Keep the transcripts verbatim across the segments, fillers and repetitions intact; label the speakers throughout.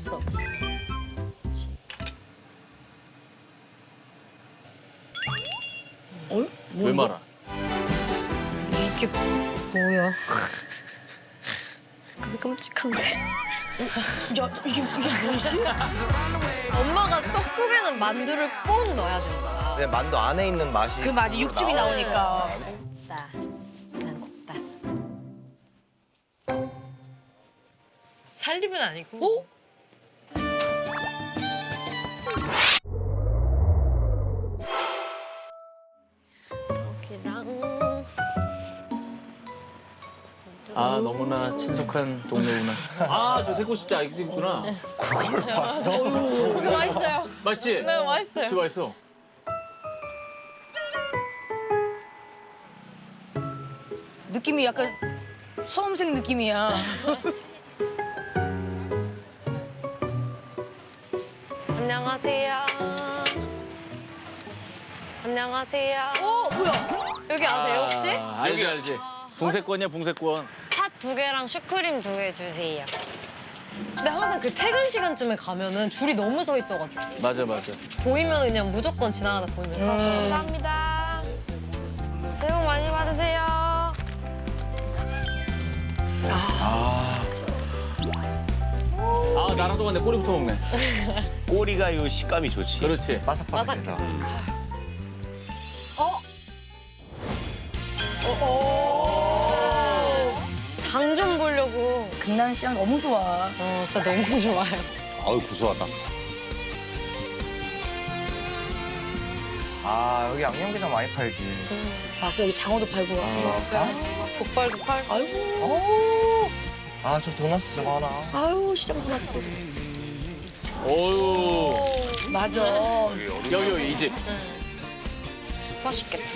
Speaker 1: 됐어.
Speaker 2: 어?
Speaker 3: 왜 말아?
Speaker 1: 이게 뭐야? 끔찍한데.
Speaker 2: 야, 이게, 이게 뭐지?
Speaker 1: 엄마가 떡국에는 만두를 꼭 넣어야 된다.
Speaker 4: 그냥 만두 안에 있는 맛이
Speaker 2: 그 맛이 육즙이 나오니까.
Speaker 1: 곱다. 난 곱다. 살림은 아니고.
Speaker 2: 오?
Speaker 1: 여기랑
Speaker 3: 아 너무나 친숙한 동네구나. 아 저 새고 싶다 이거 있구나.
Speaker 4: 그걸 봤어?
Speaker 1: 그게 맛있어요.
Speaker 3: 맛있지?
Speaker 1: 네, 맛있어요.
Speaker 3: 진짜 맛있어.
Speaker 2: 느낌이 약간 수험생 느낌이야.
Speaker 1: 안녕하세요. 안녕하세요.
Speaker 2: 어, 뭐야?
Speaker 1: 여기 아세요 혹시?
Speaker 3: 아, 알지 알지. 붕세권이야 붕세권.
Speaker 1: 팥 두 개랑 슈크림 두 개 주세요. 근데 항상 그 퇴근 시간쯤에 가면은 줄이 너무 서 있어가지고
Speaker 3: 맞아 맞아.
Speaker 1: 보이면 그냥 무조건 지나가다 보이면 사. 감사합니다. 새해 복 많이 받으세요.
Speaker 3: 아 나랑 동안 내 꼬리부터 먹네.
Speaker 4: 꼬리가 요 식감이 좋지.
Speaker 3: 그렇지.
Speaker 4: 바삭바삭해서.
Speaker 2: 어? 어, 어.
Speaker 1: 장 좀 보려고.
Speaker 2: 강남시장 너무 좋아.
Speaker 1: 어, 진짜 너무 좋아요.
Speaker 4: 아유 구수하다. 아 여기 양념게장 많이 팔지.
Speaker 2: 맞아, 여기 장어도 팔고.
Speaker 1: 족발도 팔고.
Speaker 2: 아이고.
Speaker 4: 아 저 도넛 저거 하나.
Speaker 2: 아유, 시장 도났어.
Speaker 3: 어유
Speaker 2: 맞아.
Speaker 3: 여기 여기 이 집.
Speaker 1: 맛있겠다.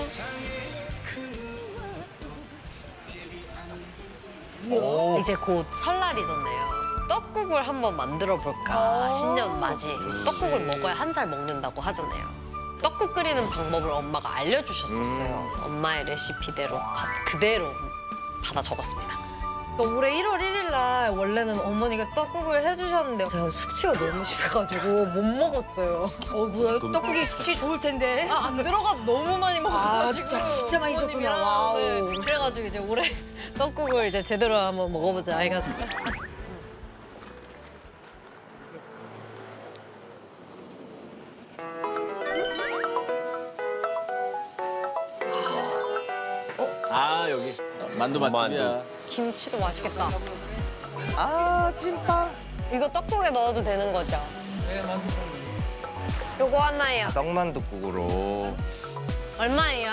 Speaker 4: 오.
Speaker 1: 이제 곧 설날이잖아요. 떡국을 한번 만들어 볼까. 신년 맞이. 떡국을 먹어야 한 살 먹는다고 하잖아요. 떡국 끓이는 방법을 엄마가 알려주셨었어요. 엄마의 레시피대로 바- 그대로 받아 적었습니다. 올해 일월 일일 날 원래는 어머니가 떡국을 해주셨는데 제가 숙취가 너무 심해가지고 못 먹었어요.
Speaker 2: 어, 뭐야. 떡국이 숙취 좋을 텐데.
Speaker 1: 아, 안 들어가 너무 많이 먹어가지고.
Speaker 2: 아, 진짜, 진짜 많이 줬구나.
Speaker 1: 어머님이랑,
Speaker 2: 와우.
Speaker 1: 네. 그래가지고 이제 올해 떡국을 이제 제대로 한번 먹어보자 해가지고.
Speaker 3: 아 여기 만두 맛집이야.
Speaker 1: 김치도 맛있겠다. 아, 찐빵. 이거 떡국에 넣어도 되는 거죠? 네, 맞습니다. 요거 하나예요.
Speaker 4: 떡만둣국으로.
Speaker 1: 얼마예요?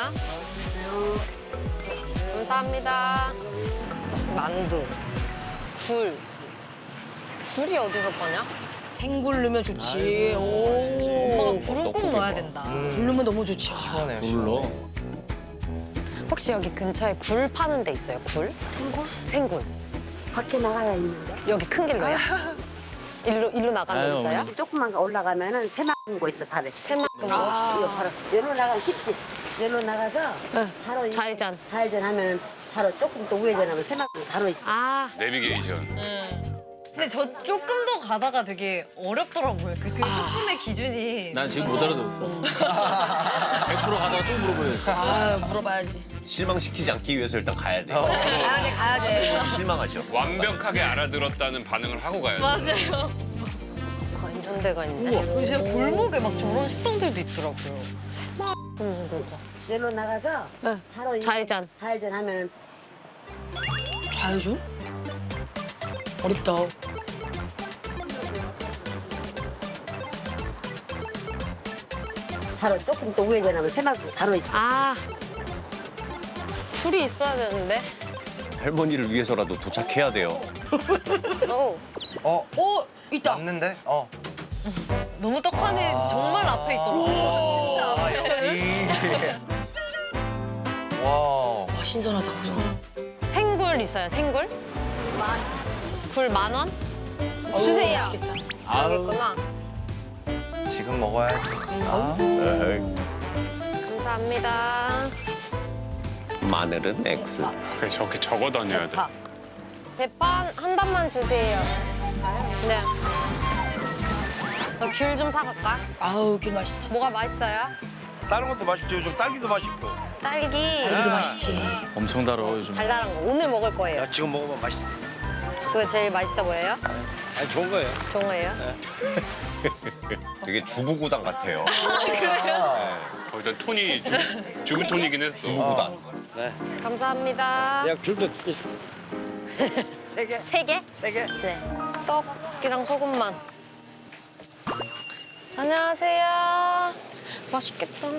Speaker 1: 감사합니다. 만두, 굴. 굴이 어디서 파냐?
Speaker 2: 생굴 넣으면 좋지. 오.
Speaker 1: 엄마가 굴은 꼭 넣어야 된다.
Speaker 2: 굴 넣으면 너무 좋지.
Speaker 4: 시원해.
Speaker 3: 불러.
Speaker 1: 혹시 여기 근처에 굴 파는 데 있어요? 굴? 생굴? 생굴.
Speaker 5: 밖에 나가야 있는데
Speaker 1: 여기 큰 길로요? 일로 일로 나가면
Speaker 3: 아유,
Speaker 1: 있어요?
Speaker 3: 어머니.
Speaker 5: 조금만 올라가면은 새만금 거 있어 다들.
Speaker 1: 새만금 거.
Speaker 5: 이거 바로 여기로 나가면 쉽지. 여기로 나가서
Speaker 1: 네.
Speaker 5: 바로 이-
Speaker 1: 좌회전.
Speaker 5: 좌회전 하면은 바로 조금 더 우회전하면 새만금 바로 있어.
Speaker 1: 아.
Speaker 6: 내비게이션.
Speaker 1: 근데 저 조금 더 가다가 되게 어렵더라고요. 그, 그 조금의 기준이.
Speaker 3: 난 지금 못 알아들었어. 백 퍼센트 가다가 또 물어보야지.
Speaker 2: 아, 물어봐야지.
Speaker 4: 실망시키지 않기 위해서 일단 가야 돼.
Speaker 2: 가야 돼, 가야 돼.
Speaker 4: 실망하죠.
Speaker 6: 완벽하게 알아들었다는 반응을 하고 가야 돼.
Speaker 1: 맞아요. 아, 이런 데가 있네. 우와, 진짜 골목에 막 저런 식당들도 있더라고요. 새만금 거.
Speaker 5: 여기로 나가서
Speaker 1: 네.
Speaker 5: 바로 이-
Speaker 1: 좌회전.
Speaker 5: 좌회전 하면은
Speaker 2: 좌회전? 어렵다.
Speaker 5: 바로 조금 더 우회전하면 새만금 바로 있어.
Speaker 1: 아. 굴이 있어야 되는데.
Speaker 4: 할머니를 위해서라도 도착해야 돼요.
Speaker 1: 오.
Speaker 4: 어
Speaker 2: 오, 있다.
Speaker 4: 맞는데? 어.
Speaker 1: 너무 떡하니 정말 앞에 있더라고요.
Speaker 4: 아 여기. 와.
Speaker 2: 와, 신선하다, 그죠?
Speaker 1: 생굴 있어요, 생굴? 굴 만 원?
Speaker 2: 어우,
Speaker 1: 주세요.
Speaker 2: 맛있겠다.
Speaker 1: 여기
Speaker 3: 아우.
Speaker 1: 있구나.
Speaker 4: 지금 먹어야지. 아. 에이.
Speaker 1: 감사합니다.
Speaker 4: 마늘은 X.
Speaker 6: 그래, 저렇게 적어 다녀야 돼.
Speaker 1: 대파. 대파 한 단만 주세요. 네. 귤 좀 사갈까?
Speaker 2: 아우 귤 맛있지.
Speaker 1: 뭐가 맛있어요?
Speaker 4: 다른 것도 맛있죠. 요즘 딸기도 맛있고.
Speaker 1: 딸기.
Speaker 2: 딸기도 맛있지.
Speaker 3: 엄청 달아 요즘.
Speaker 1: 달달한 거 오늘 먹을 거예요.
Speaker 4: 야, 지금 먹으면 맛있어.
Speaker 1: 그거 제일 맛있어 보여요?
Speaker 4: 아니, 좋은 거예요.
Speaker 1: 좋은 거예요?
Speaker 4: 되게 주부구당 같아요.
Speaker 6: 어, 일단 톤이 좀 죽은 톤이긴 했어.
Speaker 4: 주부구당.
Speaker 1: 감사합니다.
Speaker 4: 내가 귤도 있어. 세 개?
Speaker 1: 세 개?
Speaker 4: 세 개?
Speaker 1: 네. 떡이랑 소금만. 안녕하세요. 맛있겠다.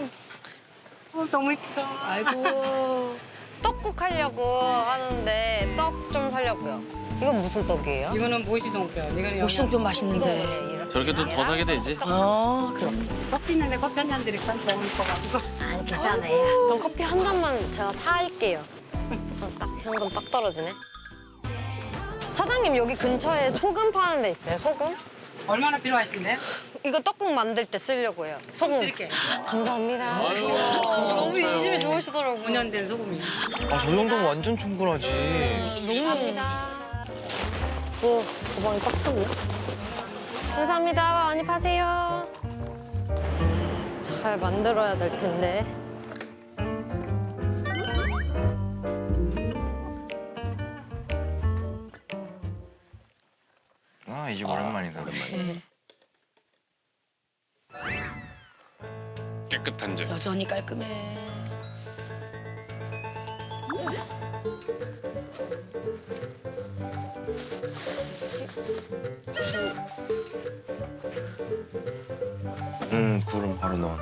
Speaker 2: 아이고.
Speaker 1: 떡국 하려고 하는데 떡 좀 사려고요. 이건 무슨 떡이에요?
Speaker 7: 이거는 모시송편. 이거는
Speaker 2: 목송편
Speaker 1: 이거
Speaker 2: 맛있는데.
Speaker 1: 뭐예요? 이렇게?
Speaker 3: 저렇게 또 더 사게 되지.
Speaker 2: 어 그럼.
Speaker 7: 커피 있는데 커피 한 잔 드릴까? 너무 이뻐가지고.
Speaker 1: 괜찮아요. 그럼 커피 한 잔만 제가 사올게요. 어, 딱 현금 딱 떨어지네. 사장님 여기 근처에 소금 파는 데 있어요? 소금?
Speaker 7: 얼마나 필요하신데요?
Speaker 1: 이거 떡국 만들 때 쓰려고요. 소금.
Speaker 7: 드릴게요.
Speaker 1: 감사합니다. 너무 인심이 좋으시더라고요.
Speaker 7: 오 년 된 소금이요.
Speaker 4: 아, 저 정도면 완전 충분하지.
Speaker 1: 감사합니다. 오, 가방이 꽉 찼네. 감사합니다. 많이 파세요. 잘 만들어야 될 텐데.
Speaker 4: 아, 이 집 오랜만이다.
Speaker 6: 깨끗한 집.
Speaker 2: 여전히 깔끔해.
Speaker 4: 음, 굴은 바로 넣어.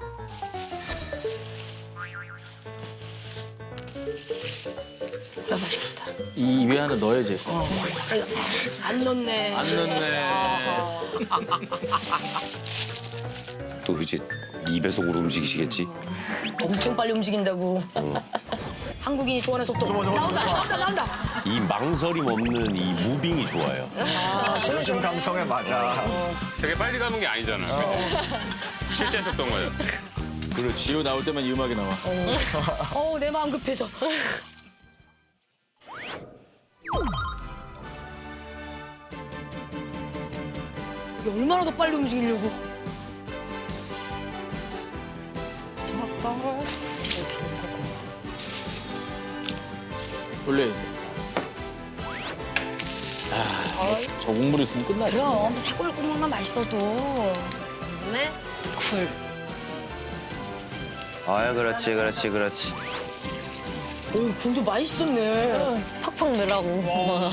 Speaker 2: 아 맛있겠다.
Speaker 3: 이 입에 하나 넣어야지.
Speaker 2: 어. 안 넣네.
Speaker 3: 안 넣네.
Speaker 4: 또 이제 이 배속으로 움직이시겠지?
Speaker 2: 엄청 빨리 움직인다고. 한국인이 좋아하는 속도. 나온다 나온다 나온다.
Speaker 4: 이 망설임 없는 이 무빙이 좋아요. 요즘 감성에 맞아.
Speaker 6: 되게 빨리 가는 게 아니잖아. 실제 했었던 거예요.
Speaker 3: 그리고 뒤로 나올 때만 이 음악이 나와.
Speaker 2: 어우 내 마음 급해져. 이게 얼마나 더 빨리 움직이려고.
Speaker 3: 올려야지. 아, 저 국물 있으면 끝나지.
Speaker 2: 그럼 사골 국물만 맛있어도.
Speaker 1: 그다음에 굴.
Speaker 4: 아, 그렇지, 그렇지, 그렇지.
Speaker 2: 오 굴도 맛있었네.
Speaker 1: 팍팍 넣으라고.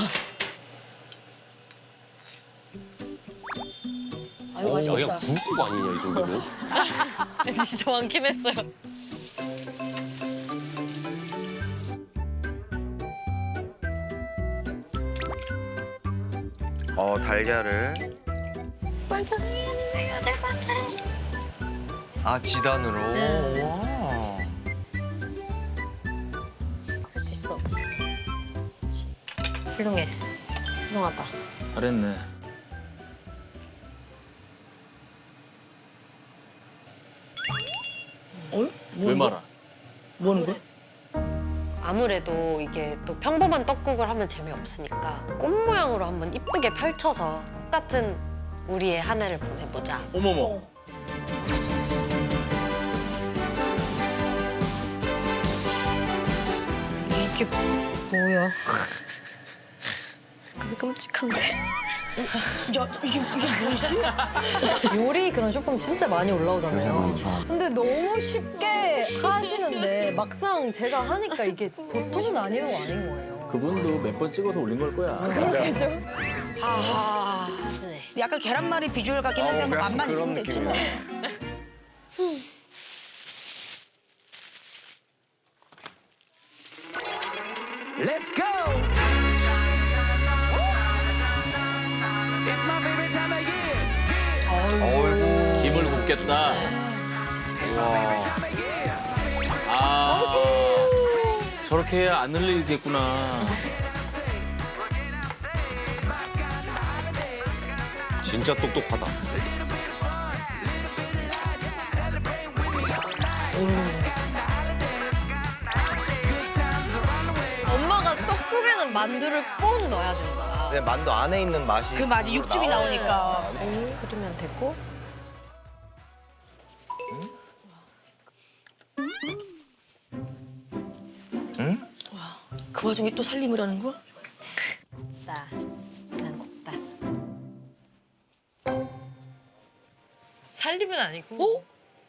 Speaker 2: 아유
Speaker 4: 어,
Speaker 2: 맛있겠다.
Speaker 4: 그냥 굴국 아니냐, 이 정도면?
Speaker 1: 진짜 많긴 했어요.
Speaker 4: 어, 달걀을.
Speaker 1: 멀쩡했네요, 제발.
Speaker 4: 아, 지단으로. 와.
Speaker 1: 할 수 있어. 훌륭해. 훌륭하다.
Speaker 3: 잘했네.
Speaker 2: 어?
Speaker 3: 왜 말아?
Speaker 2: 뭐 하는 거야?
Speaker 1: 아무래도 이게 또 평범한 떡국을 하면 재미없으니까 꽃 모양으로 한번 이쁘게 펼쳐서 꽃 같은 우리의 한 해를 보내보자.
Speaker 3: 어머머.
Speaker 1: 이게 뭐야? 끔찍한데.
Speaker 2: 야 이게 이게 뭐지?
Speaker 1: 요리 그런 쇼폼 진짜 많이 올라오잖아요. 근데 너무 쉽게 하시는데 막상 제가 하니까 이게 보통은 아닌 거 아닌 거예요.
Speaker 3: 그분도 몇 번 찍어서 올린 걸 거야.
Speaker 1: 그렇겠죠?
Speaker 2: 아
Speaker 1: 네.
Speaker 2: 약간 계란말이 비주얼 같긴 한데
Speaker 4: 어,
Speaker 2: 뭐
Speaker 4: 약간
Speaker 2: 맛만
Speaker 4: 그런
Speaker 2: 있으면 됐지 뭐.
Speaker 8: Let's go. It's my favorite time of year.
Speaker 4: 어이구.
Speaker 3: 김을 굽겠다.
Speaker 4: 와.
Speaker 3: 아, 저렇게 해야 안 흘리겠구나.
Speaker 4: 진짜 똑똑하다.
Speaker 1: 엄마가 떡국에는 만두를 꼭 넣어야 된다.
Speaker 9: 그냥 만두 안에 있는 맛이
Speaker 2: 그 맛이 육즙이 나오니까.
Speaker 1: 그러면 되고.
Speaker 2: 그 와중에 또 살림을 하는 거야?
Speaker 1: 곱다. 난 곱다. 살림은 아니고.
Speaker 2: 오?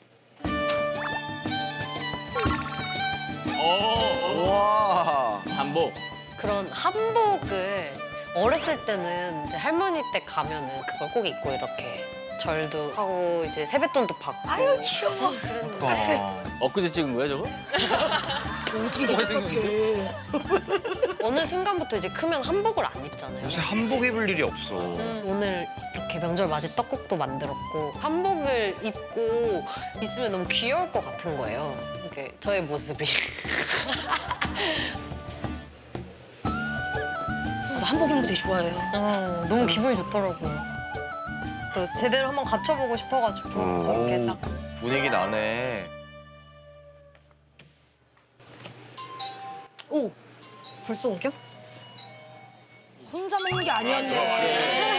Speaker 9: 와.
Speaker 3: 한복.
Speaker 1: 그런 한복을 어렸을 때는 이제 할머니 댁 가면은 그걸 꼭 입고 이렇게 절도 하고 이제 세뱃돈도 받고.
Speaker 2: 아유 귀여워.
Speaker 3: 아, 엊그제 찍은 거야 저거?
Speaker 2: 어떻게 이렇게 똑같아.
Speaker 1: 어느 순간부터 이제 크면 한복을 안 입잖아요.
Speaker 9: 요새 한복 입을 일이 없어.
Speaker 1: 오늘 이렇게 명절 맞이 떡국도 만들었고 한복을 입고 있으면 너무 귀여울 것 같은 거예요. 이게 저의 모습이.
Speaker 2: 나도 한복 입는 거 되게 좋아해요.
Speaker 1: 어, 너무 기분이 좋더라고요. 또 제대로 한번 갖춰보고 싶어가지고 저렇게 딱.
Speaker 9: 분위기 나네.
Speaker 1: 오! 벌써 옮겨?
Speaker 2: 혼자 먹는 게 아니었네.